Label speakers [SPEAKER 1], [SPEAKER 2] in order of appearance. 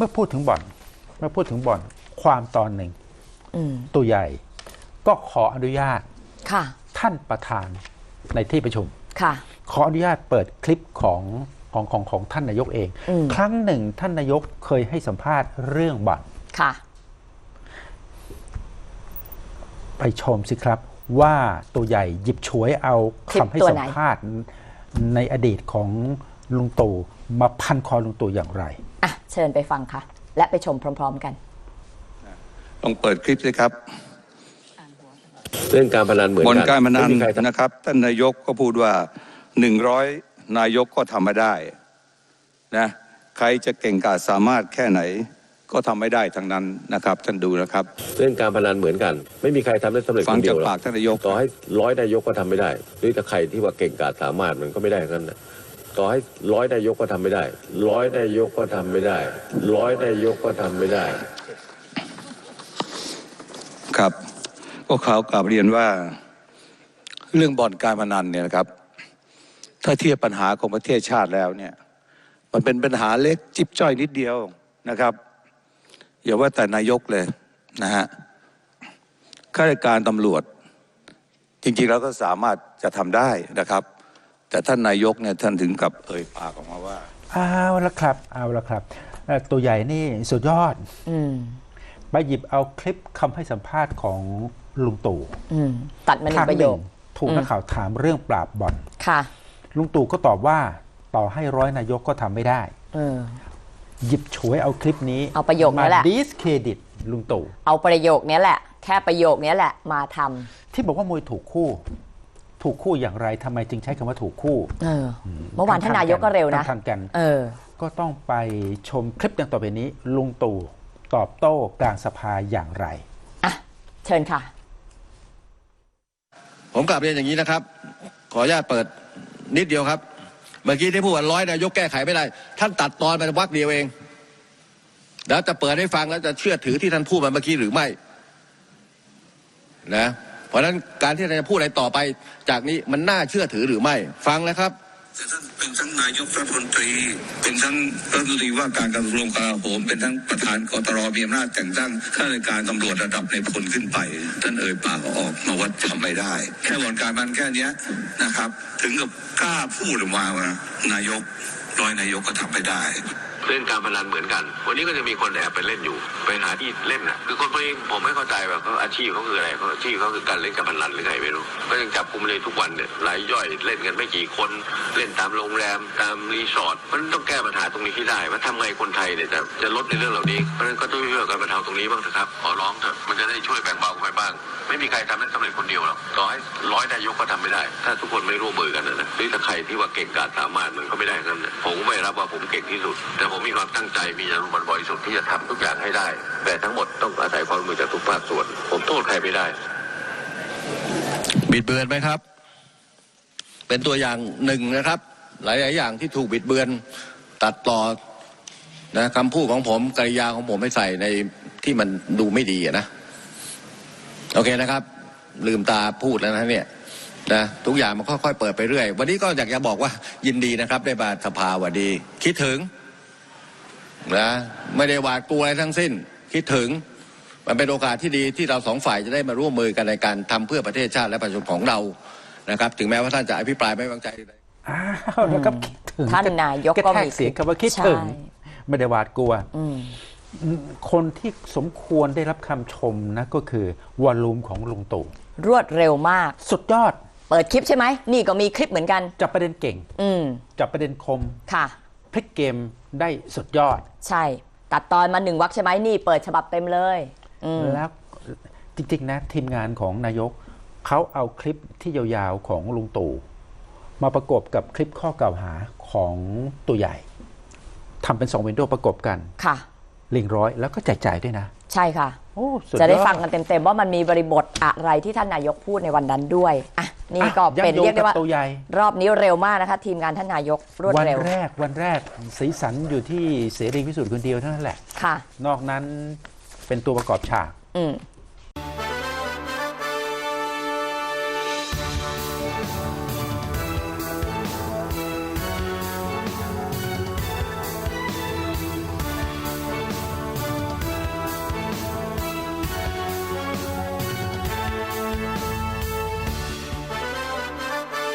[SPEAKER 1] มื่อพูดถึงบ่อนความตอนหนึ่งตัวใหญ่ก็ขออนุญาตท่านประธานในที่ประชุมขออนุญาตเปิดคลิปของท่านนายกเองครั้งหนึ่งท่านนายกเคยให้สัมภาษณ์เรื่องบ่อนไปชมสิครับว่าตัวใหญ่หยิบฉวยเอาคำให้สัมภาษณ์ในอดีตของลุงตู่มาพันคอลุงตู่อย่างไร
[SPEAKER 2] เชิญไปฟังค่ะและไปชมพร้อมๆกัน
[SPEAKER 3] ลองเปิดคลิปสิครับ
[SPEAKER 4] เรื่องการพนันเหมือนกัน
[SPEAKER 3] บ่อนการพนันนะครับท่านนายกก็พูดว่า100นายกก็ทำไม่ได้นะใครจะเก่งกาจสามารถแค่ไหนก็ทำไม่ได้ทั้งนั้นนะครับท่านดูนะครับ
[SPEAKER 4] เรื่องการพนันเหมือนกันไม่มีใครทำได้สำเร็จคนเดียวหรอก
[SPEAKER 3] ฟังจากปากท่านนายก
[SPEAKER 4] ต่อให้100นายกก็ทำไม่ได้หรือถ้าใครที่ว่าเก่งกาจสามารถมันก็ไม่ได้ทั้งนั้นนะต่อให้100นายกก็ทำไม่ได้100นายกก็ทำไม่ได้100นายกก็ทำไม่ได้
[SPEAKER 3] ครับก็ข่าวกลับเรียนว่าเรื่องบ่อนการพนันเนี่ยนะครับถ้าเทียบปัญหาของประเทศชาติแล้วเนี่ยมันเป็นปัญหาเล็กจิ๊บจ้อยนิดเดียวนะครับอย่าว่าแต่นายกเลยนะฮะข้าราชการตำรวจจริงๆแล้วก็สามารถจะทำได้นะครับแต่ท่านนายกเนี่ยท่านถึงกับเอ่ยปากออกมาว่า
[SPEAKER 1] เอาละครับตัวใหญ่นี่สุดยอดไปหยิบเอาคลิปคำให้สัมภาษณ์ของลุงตู่
[SPEAKER 2] ตัดมาหนึ่งประโยค
[SPEAKER 1] ถูกนักข่าวถามเรื่องปราบบ่อนลุงตู่ก็ตอบว่าต่อให้100นายกก็ทำไม่ได้หยิบฉวยเอาคลิปนี้
[SPEAKER 2] เอาประโยคนี้แหละ
[SPEAKER 1] ดิสเครดิตลุงตู่
[SPEAKER 2] เอาประโยคนี้แหละแค่ประโยคนี้แหละมาท
[SPEAKER 1] ำที่บอกว่ามวยถูกคู่อย่างไรทำไมจึงใช้คำว่าถูกคู่
[SPEAKER 2] เมื่อวานท่านนายกก็เร็วนะ
[SPEAKER 1] ทันกันก็ต้องไปชมคลิปดังต่อไปนี้ลุงตู่ตอบโต้กลางสภาอย่างไร
[SPEAKER 2] เชิญค่ะ
[SPEAKER 5] ผมกลับเรียนอย่างนี้นะครับขออนุญาตเปิดนิดเดียวครับเมื่อกี้ที่พูดว่า100นายกแก้ไขไม่ได้ท่านตัดตอนไปวรรคเดียวเองแล้วจะเปิดให้ฟังแล้วจะเชื่อถือที่ท่านพูดมาเมื่อกี้หรือไม่นะเพราะฉะนั้นการที่เราจะพูดอะไรต่อไปจากนี้มันน่าเชื่อถือหรือไม่ฟังนะครับ
[SPEAKER 3] แต่ท่านเป็นทั้งนายกรัฐมนตรีเป็นทั้งรัฐมนตรีว่าการกระทรวงกลาโหมเป็นทั้งประธานกตรมีอำนาจแต่งตั้งข้าราชการตำรวจระดับในพลขึ้นไปท่านเอ่ยปากออกมาว่าทำไม่ได้แค่บ่อนการพนันแค่นี้นะครับถึงกับกล้าพูดออกมาว่านายก100นายกก็ทำไม่ได้
[SPEAKER 4] เรื่องการพนันเหมือนกันวันนี้ก็จะมีคนแอบไปเล่นอยู่ไปหาที่เล่นน่ะคือคนพวกนี้ผมไม่เข้าใจว่าเขาอาชีพเขาคืออะไรเขาอาชีพเขาคือการเล่นการพนันหรือไงไม่รู้ก็ยังจับกุมเลยทุกวันเนี่ยรายย่อยเล่นกันไม่กี่คนเล่นตามโรงแรมตามรีสอร์ทมันต้องแก้ปัญหาตรงนี้ให้ได้ว่าทำไงคนไทยเนี่ยจะลดในเรื่องเหล่านี้เพราะฉะนั้นก็ต้องช่วยกันบรรเทาตรงนี้บ้างนะครับขอร้องเถอะมันจะได้ช่วยแบ่งเบาไปบ้างไม่มีใครทำได้สำเร็จคนเดียวหรอกต่อให้100นายกก็ทำไม่ได้ถ้าทุกคนไม่ร่วมมือกันนะหรือถ้าใครที่ว่าเก่งกาจสามารถมันก็ไม่ได้กันนะผมไม่รับว่าผมเก่งที่สุดแต่ผมมีความตั้งใจมีอารมณ์บริสุทธิ์ที่จะทำทุกอย่างให้ได้แต่ทั้งหมดต้องอาศัยความร่วมมือจากทุกภาคส่วนผมโทษใครไม่ได้
[SPEAKER 5] บิดเบือนไหมครับเป็นตัวอย่างหนึ่งนะครับหลายๆอย่างที่ถูกบิดเบือนตัดต่อนะคำพูดของผมกริยาของผมให้ใส่ในที่มันดูไม่ดีนะโอเคนะครับลืมตาพูดแล้วนะเนี่ยนะทุกอย่างมันค่อยๆเปิดไปเรื่อยวันนี้ก็อยากจะบอกว่ายินดีนะครับได้มาสภาวันดีคิดถึงนะไม่ได้หวาดกลัวอะไรทั้งสิ้นคิดถึงมันเป็นโอกาสที่ดีที่เราสองฝ่ายจะได้มาร่วมมือกันในการทำเพื่อประเทศชาติและประชาชนของเรานะครับถึงแม้ว่าท่านจะอภิปรายไม่ไว้วางใจ
[SPEAKER 1] แล้วก็คิดถึง
[SPEAKER 2] ท่านนายกก็มี
[SPEAKER 1] เสียงคำว่าคิดถึงไม่ได้หวาดกลัวคนที่สมควรได้รับคำชมนะก็คือวอลลุ่มของลุงตู่
[SPEAKER 2] รวดเร็วมาก
[SPEAKER 1] สุดยอด
[SPEAKER 2] เปิดคลิปใช่ไหมนี่ก็มีคลิปเหมือนกัน
[SPEAKER 1] จับประเด็นเก่งจับประเด็นคม
[SPEAKER 2] ค่ะ
[SPEAKER 1] พลิกเกมได้สุดยอด
[SPEAKER 2] ใช่ตัดตอนมา1 วรรคใช่ไหมนี่เปิดฉบับเต็มเลย
[SPEAKER 1] แล้วจริงๆนะทีมงานของนายกเขาเอาคลิปที่ยาวๆของลุงตู่มาประกบกับคลิปข้อกล่าวหาของตัวใหญ่ทำเป็น2วินโดว์ประกบกัน
[SPEAKER 2] ค่ะ
[SPEAKER 1] ลิงก์ร้อยแล้วก็แจกจ่ายด้วยนะ
[SPEAKER 2] ใช่ค่ะจะได้ฟังกันเต็มๆว่ามันมีบริบทอะไรที่ท่านนายกพูดในวันนั้นด้วยนี่ก็เป็นเรียกได้ว่ารอบนี้เร็วมากนะคะทีมงานท่านนายกรวดเร็ว
[SPEAKER 1] วันแรกสีสันอยู่ที่เสรีพิสุทธิ์คนเดียวเท่านั้นแหละ
[SPEAKER 2] ค่ะ
[SPEAKER 1] นอกนั้นเป็นตัวประกอบฉาก